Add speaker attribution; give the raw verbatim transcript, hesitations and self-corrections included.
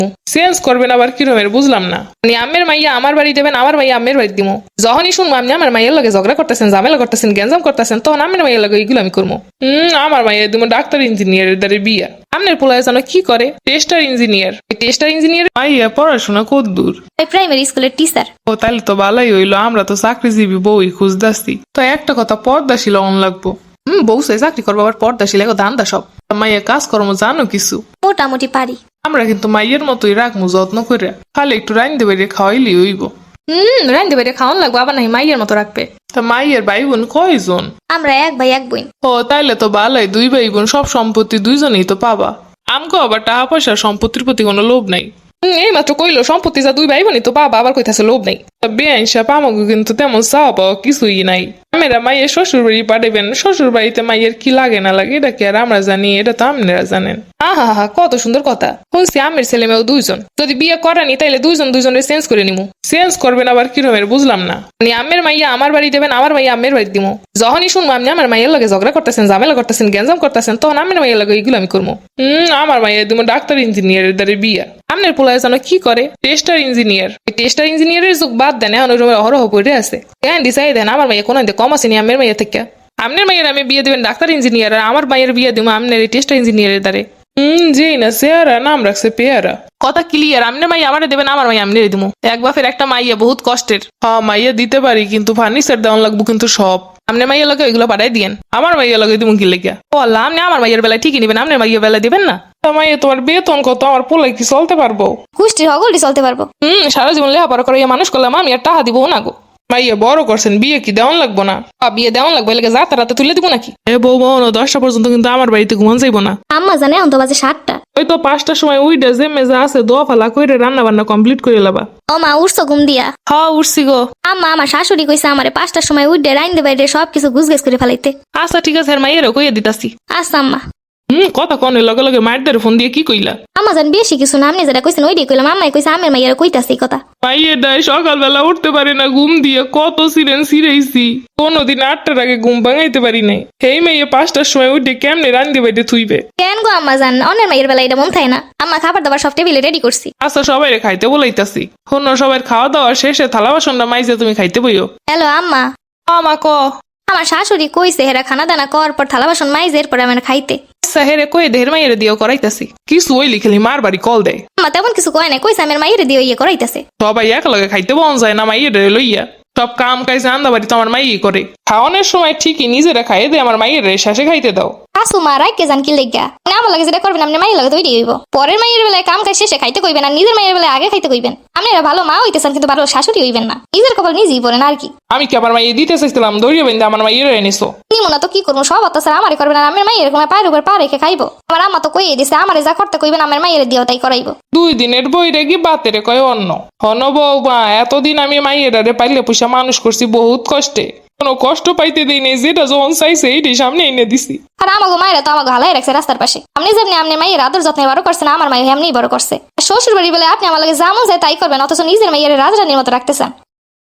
Speaker 1: Change করবেন আবার কি রকমের বুঝলাম না। মানে আমের মাইয়া আমার বাড়ি দেবেন, আমার মাইয়া আমের বাড়ি দিমু। যখনই শুনবো আপনি আমার মাইয়ের লগে ঝগড়া করতেছেন, ঝামেলা করতেছেন, গ্যাঞ্জাম করতেছেন, তখন আমের মাইয়ের লগে এগুলো আমি করবো। হম আমার মাইয়া দিমু ডাক্তার ইঞ্জিনিয়ারের দ্বারে বিয়া। আপনার পোলায় জানো কি করে? Tester engineer. টেস্টার ইঞ্জিনিয়ার মাইয়া পড়াশোনা কত দূর?
Speaker 2: প্রাইমারি স্কুলের টিচার।
Speaker 1: ও তাহলে তো ভালোই হইলো, আমরা তো চাকরিজীবী বউই খুঁজদাসি। তো একটা কথা, পর্দাশীল অন লাগবো। হম বউ সে চাকরি করবো আবার পর্দাশীল, এখন ধান্দা সব। মাইয়া কাজকর্ম জানো কিছু?
Speaker 2: মোটামুটি পারি।
Speaker 1: আমরা কিন্তু মাইয়ের মতোই রাখবো যত্ন করে, খালি একটু রাইন্দে বেরিয়ে খাওয়াইলি হইব।
Speaker 2: হম রান্ধে বেড়ে খাওয়ান লাগবো, আবার নাই মাইয়ের মতো রাখবে।
Speaker 1: তা মাইয়ের ভাই বোন কয়জন?
Speaker 2: আমরা এক ভাই এক বোন।
Speaker 1: ও তাইলে তো ভালোই, দুই ভাই বোন, সব সম্পত্তি দুইজনেই তো পাবা। আমগো আবার টাকা পয়সা সম্পত্তির প্রতি কোনো লোভ নাই। এই মাত্র কইলো সম্পত্তি যা দুই ভাই বোনই তো পাবা, আবার কইতাছে লোভ নাই। বেআইন সাপ আমাকে কিন্তু তেমন চাওয়া পাওয়া কিছুই নাই। আমেরা মাইয়ের শ্বশুর বাড়ি পাঠাবেন, শ্বশুর বাড়িতে মাইয়ের কি লাগে না লাগে এটা কি আর আমরা জানি? এটা তো আপনারা জানেন। আহা হা কত সুন্দর কথা। শুনছি আমের ছেলে মেয়েও দুইজন, যদি বিয়ে করানি তাইলে দুইজন দুইজনের চেঞ্জ করে নিমু। চেঞ্জ করবেন আবার কি রকমের বুঝলাম না। মানে আমের মাইয়া আমার বাড়ি দেবেন, আমার মাইয়া আমের বাড়ি দিমু। যখনই শুনবো আপনি আমার মাইয়ের লগে ঝগড়া করতেছেন, ঝামেলা করতেছেন, গ্যাঞ্জাম করতেছেন, তখন আমের মাইয়ের লগে এগুলো আমি করবো। হম আমার মাইয়া দিমু ডাক্তার ইঞ্জিনিয়ারের দ্বারে বিয়া। আপনার পোলায় জানো কি করে? Tester engineer. টেস্টার ইঞ্জিনিয়ারের যুগ বাদ দেন, এখন অহরহ পড়ে আছে। কেন দিশাই দেন আমার মাইয়া কোনো কম আসেনি আমের মাইয়া থেকে। আপনার মাইয়ের আমি বিয়ে দেবেন ডাক্তার ইঞ্জিনিয়ার, আর আমার মাইয়ের বিয়ে দিব আপনার টেস্টার ইঞ্জিনিয়ারের দ্বারে। হম জি না সেয়ারা নাম রাখছে পেয়ারা। কথা ক্লিয়ার, আপনার মাইয়া আমার দেবেন, আমার মাইয়া আমনে দিব। এক বাপের একটা মাইয়া বহুত কষ্টের। হ্যাঁ মাইয়া দিতে পারি, কিন্তু ফার্নিচার দেওয়ান লাগবো কিন্তু সব। আপনার মাইয়া লগে ওইগুলো পাঠাই দিয়েন, আমার মাইয়া লগে দিব কি লেগা? ও আল্লাহ, আপনি আমার মাইয়ের বেলায় ঠিকই নিবেন, আপনার মাইয়ের বেলায় দিবেন না? মাইয়া তোমার বেতন কত? আমার পোলাই কি চলতে পারবো?
Speaker 2: কুষ্টির হগলটি চলতে পারবো।
Speaker 1: হম সারা জীবন লেখাপড়া করে মানুষ করলাম, আমি আর টাকা দিব না গো। মাইয়া বড় করছেন, বিয়ে কি দেওয়ান লাগবো না? বিয়ে দেওয়ান লাগবে, লেগে যা তারাতে তুলে দিব নাকি? এ বউ বউন দশটা পর্যন্ত কিন্তু আমার বাড়িতে ঘুমান যাইবো না।
Speaker 2: আম্মা জানে এখন তো বাজে সাতটা।
Speaker 1: ওই তো পাঁচটার সময় উইডা যে মেজা আছে দোয়া ফালা কইরে রান্না বান্না কমপ্লিট করে লাবা।
Speaker 2: ও মা উঠছো ঘুম দিয়া?
Speaker 1: হ্যাঁ উঠছি গো।
Speaker 2: আম্মা আমার শাশুড়ি কইছে আমারে পাঁচটার সময় উঠে রাইন্দে বাইরে সবকিছু গুছগাছ করে ফেলাইতে।
Speaker 1: আচ্ছা ঠিক আছে, মাইয়েরও কইয়া দিতাছি।
Speaker 2: আচ্ছা আম্মা।
Speaker 1: হম কথা কনের লগে লগে মায়ের ফোন দিয়ে কি কইলা?
Speaker 2: আম্মা জান বেশি কিছু না, আপনি যেটা কইছেন ওইটাই কইলাম। আম্মাই কইছে আমের মাইয়ারে কইতাছি কথা।
Speaker 1: মাইয়ের দায় সকালবেলা উঠতে পারে না ঘুম দিয়ে, কত সিরেন সিরেইছি, কোনোদিন আটটার আগে ঘুম ভাঙাইতে পারি নাই। এই মেয়ে পাঁচটার সময় উঠে কেমনে রান্ধি বাইতে থুইবে?
Speaker 2: কেন গো আম্মা জান, অন্যের মাইয়ের বেলা এটা মন থাকে না? আম্মা খাবার দাবার সব টেবিলে রেডি করছি।
Speaker 1: আচ্ছা সবাই খাইতে বলাইতাছি। হন্য সবাই খাওয়া দাওয়া শেষে থালা বাসনটা মাইজে তুমি খাইতে বইও।
Speaker 2: হ্যালো আম্মা।
Speaker 1: আমা ক
Speaker 2: আমার শাশুড়ি কইছে হেরা খানা দানা কর পর থালা বাসন মাইজে এরপর আমার খাইতে।
Speaker 1: আচ্ছা হেরে কয়ে দেহের মাইয়ের দিয়েও করাইতাছি। কিছু ওই লিখেলি মার বাড়ি কল দেয়।
Speaker 2: আম্মা তেমন কিছু কয় না, কইছে আমার মাইয়ের দিয়ে ইয়ে করাইতেছে।
Speaker 1: সবাই একলগে খাইতে বন যায় না, মাইয়ের লইয়া সব কাম কাজ রান্না বাড়ি তো আমার মাইই করে। খাওয়ানোর সময় ঠিকই নিজেরা খাইয়ে দে, আমার মাইয়ের শেষে খাইতে দাও।
Speaker 2: শাশু মা রাইকে জান কি লেগা? না আমার লাগে যেটা করবেন আপনি মাইয়ের লাগে তো ওইটাই হইব। পরের মাইয়ের বেলায় কাম কাজ শেষে খাইতে কইবেন, আর নিজের মাইয়ের বেলায় আগে খাইতে কইবেন। আপনারা ভালো মা হইতেছেন কিন্তু ভালো শাশুড়ি হইবেন না। নিজের কপাল নিজেই পড়েন আর কি।
Speaker 1: আমি কি আমার মাইয়ে দিতে চাইছিলাম, দৌড়িয়ে বেঁধে আমার মাইয়ের এনেছো।
Speaker 2: নিমো না তো কি করবো, সব অত্যাচার আমারে করবেন, আর আমার মাইয়ের এরকম পায়ের উপর পা রেখে খাইবো? আমার আম্মা তো কইয়ে দিছে আমারে যা করতে কইবেন আমার মাইয়ের দিয়েও তাই করাইবো।
Speaker 1: দুই দিনের বই রেগি বাতেরে কয় অন্য হন বউ মা। এতদিন আমি মাইয়ের পাইলে পয়সা মানুষ করছি বহুত কষ্টে, কোনো কষ্ট পাইতে দিই নেই, যেটা যখন চাইছে এইটাই সামনে এনে দিছি।
Speaker 2: আর আমাগো মায়েরা তো আমাকে হালাই রাখছে রাস্তার পাশে। আপনি যেমনি আপনি মাইয়ের আদর যত্নে বড় করছেন, আমার মায়ের এমনি বড় করছে। শ্বশুর বাড়ি বলে আপনি আমার লাগে যেমন যায় তাই করবেন, অথচ নিজের মাইয়ের রাজরানীর মতো রাখতেছেন।